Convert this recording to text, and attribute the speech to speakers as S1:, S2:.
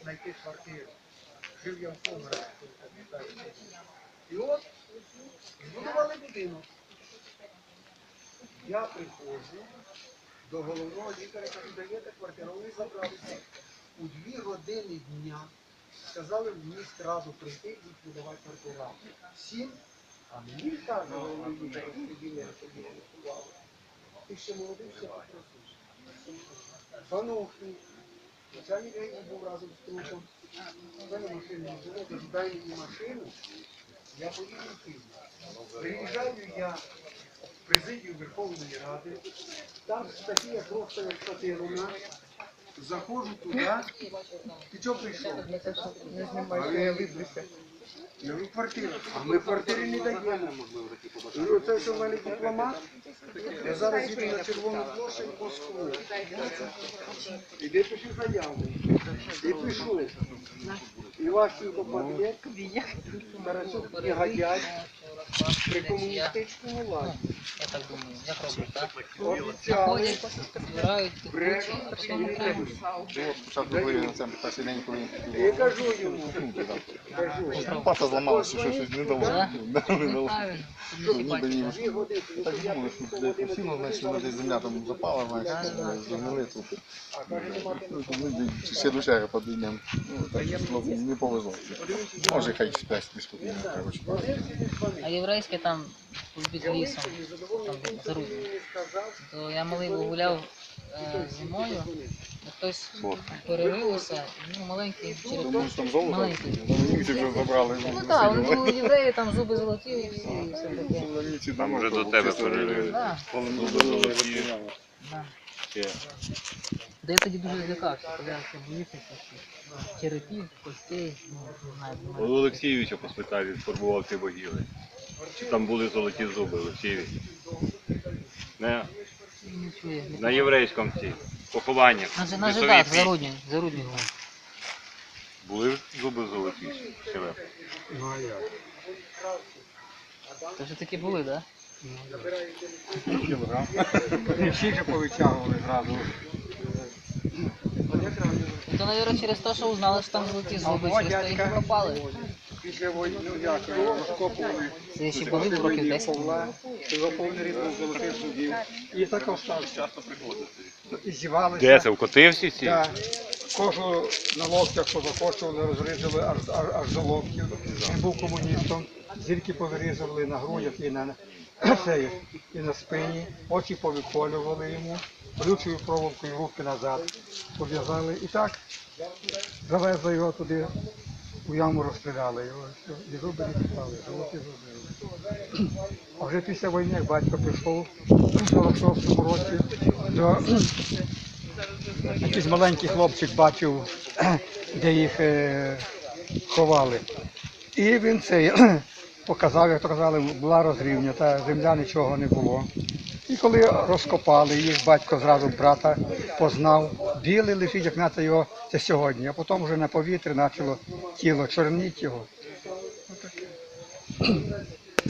S1: знайти квартиру. Жив я в Померанці, пам'ятаю. І от, збудували будинок. Я приходжу до головного лікаря, кажу, даєте квартиру, вони забралися. У 2 години дня сказали в міськраду прийти і будувати квартиру. Всім, а мені каже, головний лікар, розподіляє, тоді голосували. Ти ще молодий, ще попросиш. Панухи, начальник ГАІ був разом з трупом. В мене машини не було, кажу, дай мені машину, я поїду в Київ. Приїжджаю я в президію Верховної Ради, там стаття просто як Катерина, заходжу туди, ти чого прийшов?
S2: Не знімай, що я виблюся.
S1: Я говорю, квартира. А ми квартири не даємо. Я говорю, це що в мене дипломат? Я зараз їду на Червону площадь в Москву. Іди пиши заяву. І пишу. Іващенко Патрик, Тарасюк негодяй при комуністичному владі.
S3: Я так думаю, як роблять, так?
S1: Офіціали,
S3: Збирають,
S1: бред,
S4: Спочатку говорили на цьому перший день, коли
S1: я кажу йому, кажу,
S4: пата зламалася, що щось не дало.
S3: Так?
S4: Не дало.
S3: Правильно.
S4: Ніби їм
S1: 2 години,
S4: так думали, що де посіло, значить, вона десь земля там запала, значить, згнили трупи. Ну, ми ще до черга підійдемо. Ну, так, не повезло. Може, хай спець не спокійно, коротше.
S3: А єврейське там під лісом, там за Руднем. То я малий був гуляв зимою, і хтось перерився, ну маленький черепок.
S4: Думаю, що там золото?
S3: Маленький.
S4: Німці вже забрали.
S3: Ну так, вони були євреї, там зуби золоті і все таке.
S4: Німці
S5: Там вже до тебе перелили.
S3: Да,
S5: Золоті.
S3: да.
S5: Ще.
S3: Де я тоді дуже злякався, коли я все боївся всіх черепів, костей, ну, не знаю.
S5: У Олексійовича по спиталі сформував ці могили. Чи там були золоті зуби, Олексійович? Не,
S3: Не чує.
S5: на єврейському ці похованнях.
S3: На жидах, за Руднем був.
S5: Були зуби золоті ще ви?
S1: ну а як?
S3: То вже такі були, так?
S1: Всі вже повитягували зразу.
S3: То, мабуть, через те, що узнали, що там золоті зуби, через те їх пропали.
S1: Після війни, як розкопували.
S3: Це ще були б років 10.
S1: Павла, його повний рід був золотих зубів. І так остався.
S5: Часто приходити.
S1: І зівалися.
S5: Де це, в Котивці ці?
S1: Так. Кожу на локтях позакочували, розрізали аж до локтів. Він був комуністом. Зірки повирізували на грудях і на спині. Очі повиколювали йому. Колючою проволокою руки назад пов'язали. І так завезли його туди. У яму розстріляли його, і зуби не писали, золоті зуби. А вже після війни, як батько пішов у 46-му році, то якийсь маленький хлопчик бачив, де їх ховали. І він це показав, як то казали, була розрівня, та земля нічого не було. І коли розкопали їх, батько зразу брата познав, білий лежить, як наче його це сьогодні, а потім вже на повітрі почало тіло чорніти його.